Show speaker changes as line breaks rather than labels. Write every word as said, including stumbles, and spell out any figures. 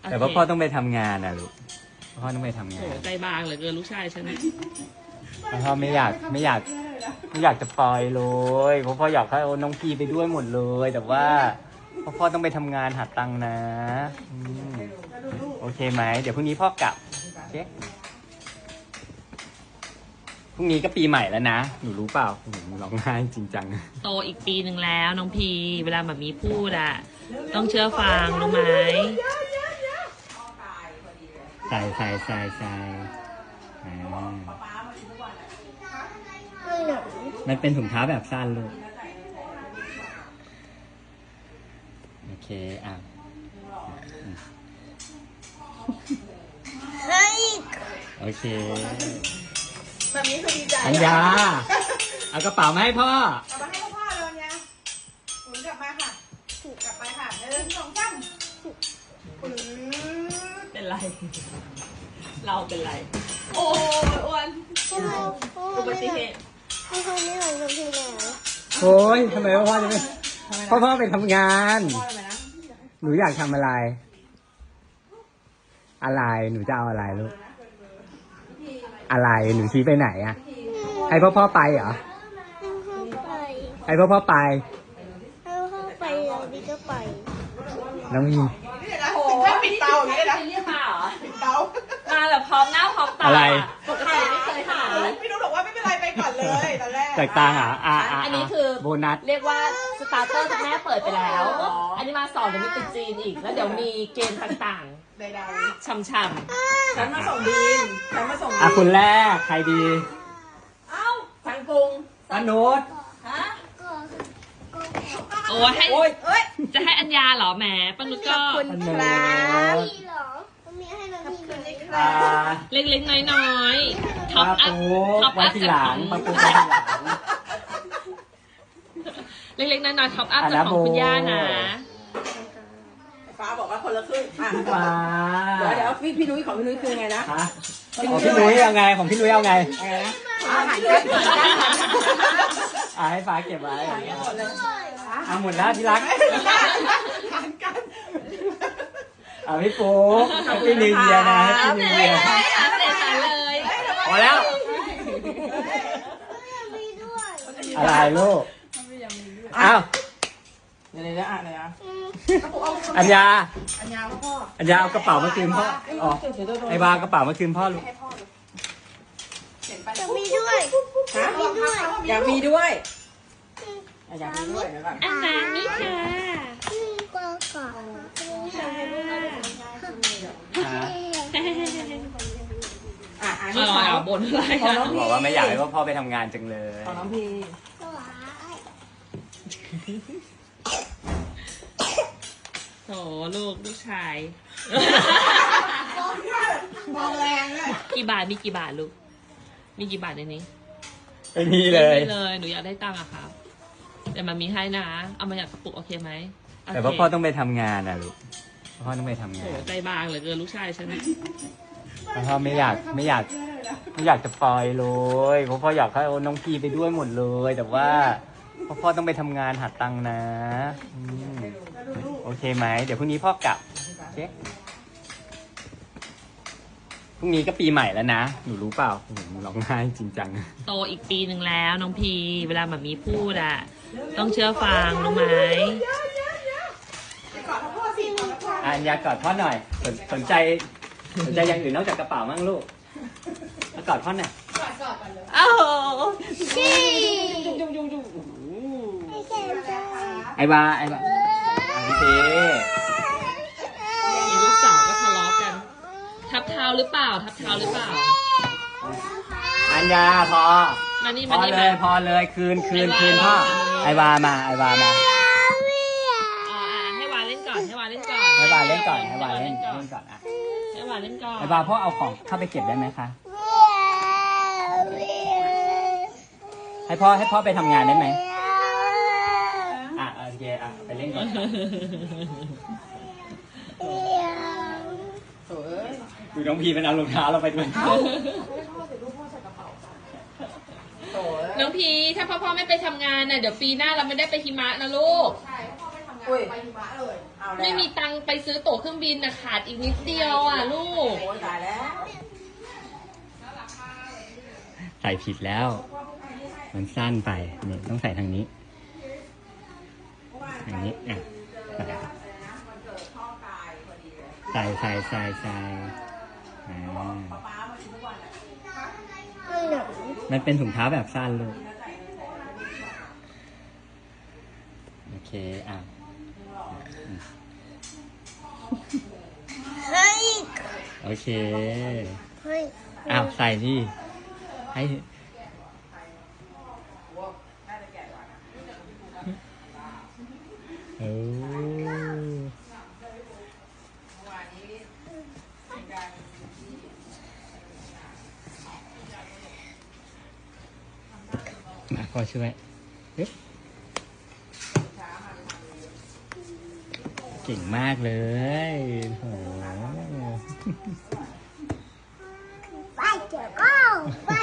แต่ว่าพ่อต้องไปทำงานนะลูกพ่อต้องไปทำงาน
ใจบางเหลือเกินลูกชายฉัน
พ่อไม่อยากไม่อยากไม่อยากจะปล่อยเลยเพราะพ่ออยากให้น้องพีไปด้วยหมดเลยแต่ว่าพ่อพ่อต้องไปทำงานหาตังค์นะโอเคไหมเดี๋ยวพรุ่งนี้พ่อกลับโอเคพรุ่งนี้ก็ปีใหม่แล้วนะหนูรู้เปล่าหนูร้องไห้จริงจัง
โตอีกปีหนึ่งแล้วน้องพีเวลาแบบมีพูดอะต้องเชื่อฟังรู้ไหม
ใส่ใส่ใส่ใส่มันเป็นถุงเท้าแบบสั้นลูกโอเคอ่ะโอเค
แบบนี้คือดีใจ
อัญญาเอากระเป๋ามาให้พ่อ
เอามาให้พ่อเลยเนี่ยหมุนกลับมาค่ะกลับไปค่ะหนึ่งสองสาม
เป็นไรเราเป็นไรโอ้ยอ้วนอุบัติเหตุ
พ่อไม่หลังกับพี่แล้ว
โอ้ยทำไมพ่อจะไม่พ่อพ่อไปทำงานหนูอยากทำอะไร อะไรหนูจะเอาอะไรลูกอะไรหนูชี้ไปไหนอะให้พ่อพ่อไปเหรอให้พ่อพ่อไป
ให้พ่อไปแล้วพี่ก็ไป
น้องมี
ถ้าปิดเตาอย่างนี้นะ
เรียกมาเหรอ
ปิดเตา
มาแบบพร้อมหน้าพร้อมตา
อะไร
ปกติไม่เคยหา
พี่นุ๊กบอกว่าไม่เป็นไรไปก่อนเลยตอนแรก
แตกต่างอ่ะอ่ะ
อันนี้คือ
โบนัส
เรียกว่าสตาร์เตอร์แม่เปิดไปแล้วอันนี้มาสอนเดี๋ยวมีติดจีนอีกแล้วเดี๋ยวมีเกมต่าง
ๆใด
ๆช่ำๆ
ฉันมาส่งบีมฉันมาส่ง
อ่ะคุณแรกใครดี
เอ้าสังกุง
อนุช
ฮะ
โอ้ให้จะให้อัญญาเหรอแหมปังนุก็
คุณครับมีให้น้องพี
เล็กๆน้อยๆท็อปอัพท็อปอัพจากของเล็กๆน้อยๆท็อปอัพจากของคุณย่านะ
ฟ้าบอกว่าคนละครึ่ง
ฟ้า
เดี๋ยวเดี๋ยวพี่พี่นุ้ยของพี่นุ้ยคือไงนะ
ของพี่นุ้ยเอาไงของพี่นุ้ยเอาไง
อะไรนะอาหารกัน
อ่ะให้ฟ้าเก็บไว้อ่ะหมดแล้วที่รักอ่ะพี่ปูพี่นิวเยียนะพี่นิวเยีย
เลย
พอแล้วอะไรลูกอ้าว
เดี๋ยวเดี๋ยวอ่ะเดี๋ยว
อัญญา
อัญญาพ่อ
อัญญาเอากระเป๋ามาคืนพ่ออ๋อไอ้บากระเป๋ามาคืนพ่อลูก
จะมีด้วยมีด้วย
อยากมีด้วยอยากมีด้วยแล้วก็
อันนั้นนี่ค่ะ
ก็ก่อน
อ่ะอ่ะ
นี่ขอบนอะไรอ่ะ
บอกว่าไม่อยากให้พ่อไปทำงานจังเลย
ของน้องพี
โถลูกลูกชาย
มองแรงเลย
กี่บาทมีกี่บาทลูกมีกี่บาทในนี้
ไม่มีเลย
ไม่เลยหนูอยากได้ตังค์อะครับเดี๋ยวมันมีให้นะเอามาอยากกระปุกโอเคไหม
แต่ว่าพ่อต้องไปทำงานนะลูกพ่อต้องไปทำงาน
ใจบางเหลือเกินลูกชายฉัน
พ่อไม่อยากไม่อยากไม่อยากจะปล่อยเลยเพราะพ่ออยากให้น้องพีไปด้วยหมดเลยแต่ว่าพ่อพ่อต้องไปทำงานหาตังค์นะโอเคไหมเดี๋ยวพรุ่งนี้พ่อกลับโอเคพรุ่งนี้ก็ปีใหม่แล้วนะหนูรู้เปล่าหนูร้องไห้จริงจัง
โตอีกปีหนึ่งแล้วน้องพีเวลาแบบมีพูดอะต้องเชื่อฟังรู้ไหม
อัญญากอดพ่อหน่อยสนสนใจสนใจอย่างอื่นนอกจากกระเป๋ามั่งลูกมากอดพ่อหน่อย
กอดกอดกันเลย
อ้าว
พี่
จุ๊บจุ๊บจุ๊บจุ๊บ
ไอ้บาไอ้บาอันนี้
มีลูกสาวก็ทะเลาะกันทับเท้าหรือเปล่าทับเท้าหรือเปล่า
อัญญาพอ
มานี่
พ
มา
อ
นี่
เลยพอเลยคืนคืนคืนพ่อไอ้บามาไอ้บามา
ให้วาเล่นก่อนให้วาเล่นก่อน
ให้บาเล่นก่อนให้บาเล่นเล่นก่อนอ่ะ
ให้วาเล่นก่อน
ไอ้บาพ่อเอาของเข้าไปเก็บได้ไหมคะให้พ่อให้พ่อไปทำงานได้ไหมอ่ะโอเคอ่ะไปเล่นก่อนดูน้องพีมันเอารองเท้าเราไปด้วย
น้องพีถ้าพ่อพ่อไม่ไปทำงานน่ะเดี๋ยวปีหน้าเราไม่ได้ไปหิมะนะลูก
ใช่พ่อไปทำงานไปหิมะเลยเอาเอาแล้ว
ไม่มีตังค์ไปซื้อตั๋วเครื่องบินนะขาดอีกนิดเดียวอ่ะลูก
โอ้ยตายแล้ว
ใส่ผิดแล้ว มันสั้นไปนี่ต้องใส่ทางนี้ ทางนี้อ่ะใส่ใส่ใส่ใส่อ่า
ไม่หนู
มันเป็นถุงเท้าแบบสั้นลูก โอเค อ่ะ
เฮ้ย
โอเค
เฮ้ย
อ้าว ใส่ที่ ให้ โอ้มาพ่อช่วยเอ๊ะเก่งมากเลยโอ้
ไปเจอก็ไป